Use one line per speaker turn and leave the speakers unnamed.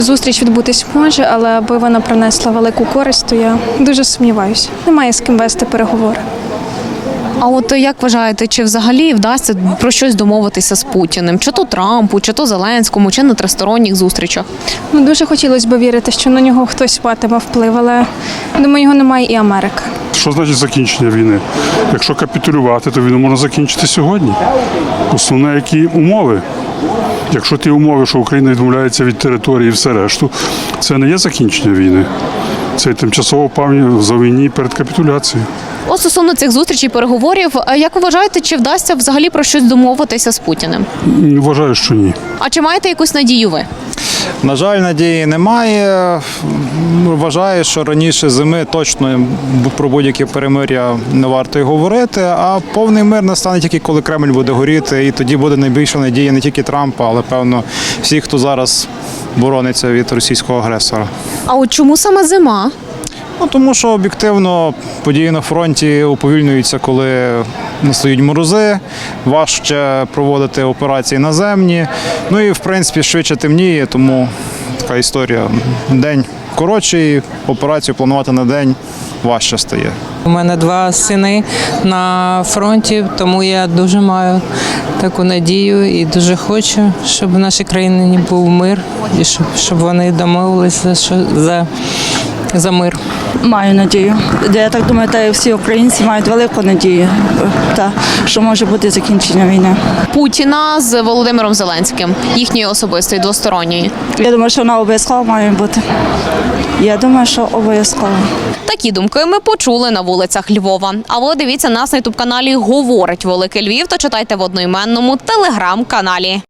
Зустріч відбутись може, але аби вона принесла велику користь, то я дуже сумніваюся. Немає з ким вести переговори.
А от як вважаєте, чи взагалі вдасться про щось домовитися з Путіним? Чи то Трампу, чи то Зеленському, чи на тристоронніх зустрічах?
Дуже хотілося б вірити, що на нього хтось матиме вплив, але, думаю, його немає і Америка.
Що значить закінчення війни? Якщо капітулювати, то війну можна закінчити сьогодні. Основне, які умови. Якщо ті умови, що Україна відмовляється від території і все решту, це не є закінчення війни. Це тимчасово пам'ять за війні перед капітуляцією.
От стосовно цих зустрічей, переговорів, як ви вважаєте, чи вдасться взагалі про щось домовитися з Путіним?
Вважаю, що ні.
А чи маєте якусь надію ви?
На жаль, надії немає. Вважаю, що раніше зими точно про будь-яке перемир'я не варто й говорити, а повний мир настане тільки коли Кремль буде горіти, і тоді буде найбільша надія не тільки Трампа, але, певно, всіх, хто зараз борониться від російського агресора.
А от чому саме зима?
Тому що об'єктивно події на фронті уповільнюються, коли настають морози, важче проводити операції наземні. Ну і в принципі швидше темніє, тому така історія. День коротший, операцію планувати на день важче стає.
У мене 2 сини на фронті, тому я дуже маю таку надію і дуже хочу, щоб в нашій країні був мир і щоб вони домовилися за мир.
Маю надію. Я так думаю, та і всі українці мають велику надію, що може бути закінчення війни.
Путіна з Володимиром Зеленським, їхньої особистої, двосторонньої.
Я думаю, що вона обов'язково має бути. Я думаю, що обов'язково.
Такі думки ми почули на вулицях Львова. А ви дивіться нас на ютуб-каналі «Говорить Великий Львів» та читайте в одноіменному телеграм-каналі.